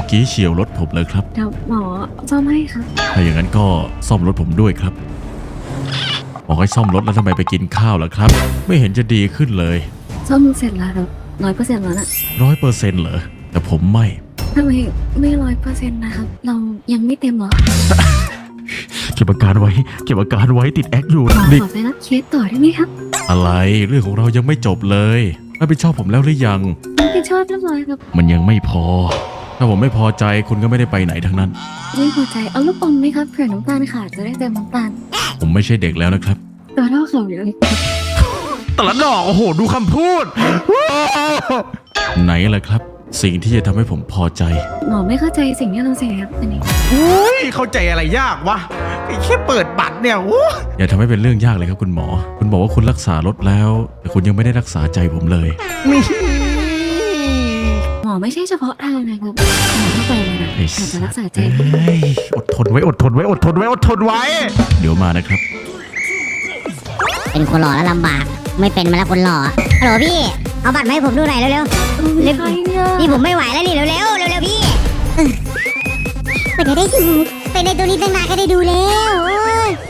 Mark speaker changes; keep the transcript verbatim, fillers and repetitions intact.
Speaker 1: กี้เฉี่ยวรถผมเลยครับ
Speaker 2: เดี๋ยวหมอซ่อมให้ครับ
Speaker 1: ถ้าอย่างนั้นก็ซ่อมรถผมด้วยครับบอกให้ซ่อมรถแล้วทำไมไปกินข้าวล่ะครับไม่เห็นจะดีขึ้นเลย
Speaker 2: ซ่อมเสร็จแล้วครับร้อยเปอร์เซ็นต์แล้วนะ
Speaker 1: ร้อยเปอร์เซ็นต์เหรอแต่ผมไม่
Speaker 2: ทำไมไม่ร้อยเปอร์เซ็นต์นะครับเรายังไม่เต็มหรอ
Speaker 1: เก็บอาการไว้เก็บอาการไว้ติดแอคอยู่
Speaker 2: ขอไปรับเคสต่อได้ไหมครับ
Speaker 1: อะไรเรื่องของเรายังไม่จบเลยรับผิดชอบผมแล้วหรือยัง
Speaker 2: รับผิดชอบเรียบร้อยครับ
Speaker 1: มันยังไม่พอถ้าผมไม่พอใจคุณก็ไม่ได้ไปไหนทั้งนั้น
Speaker 2: ไม่พอใจเอาลูกอมไหมครับเผื่อน้ำตาลขาดจะได้เติมน้ำตาล
Speaker 1: ผมไม่ใช่เด็กแล้วนะครับ
Speaker 2: ตัวเท่าเขาอยู่เลย
Speaker 1: ตละดอกโอ้โหดูคำพูดไหนล่ะครับสิ่งที่จะทำให้ผมพอใจ
Speaker 2: หมอไม่เข้าใจสิ่งที่เราเสียครับอันนี้
Speaker 3: อุ้ยเข้าใจอะไรยากวะแค่เปิดบัตรเนี่ยโอ้
Speaker 1: อย่าทำให้เป็นเรื่องยากเลยครับคุณหมอคุณบอกว่าคุณรักษารถแล้วแต่คุณยังไม่ได้รักษาใจผมเลย
Speaker 3: มี
Speaker 2: หมอไม่ใช่เฉพาะทางนะครับหมอเข้าไปเลยนะอาจจะรักษาใจ
Speaker 3: อดทนไว้อดทนไว้อดทนไว้อดทนไว้
Speaker 1: เดี๋ยวมานะครับ
Speaker 4: เป็นคนหล่อแล้วลำบากไม่เป็นมาแล้วคนหล่อฮัลโหลพี่เอาบัตรมาให้ผมดูหน่อยเร็วๆเร็วนี่ผมไม่ไหวแล้วนี่เร็วๆเร็วๆพี่ไปได้ดูไปในตัวนี้ตั้งนานก็ได้ดูแล้ว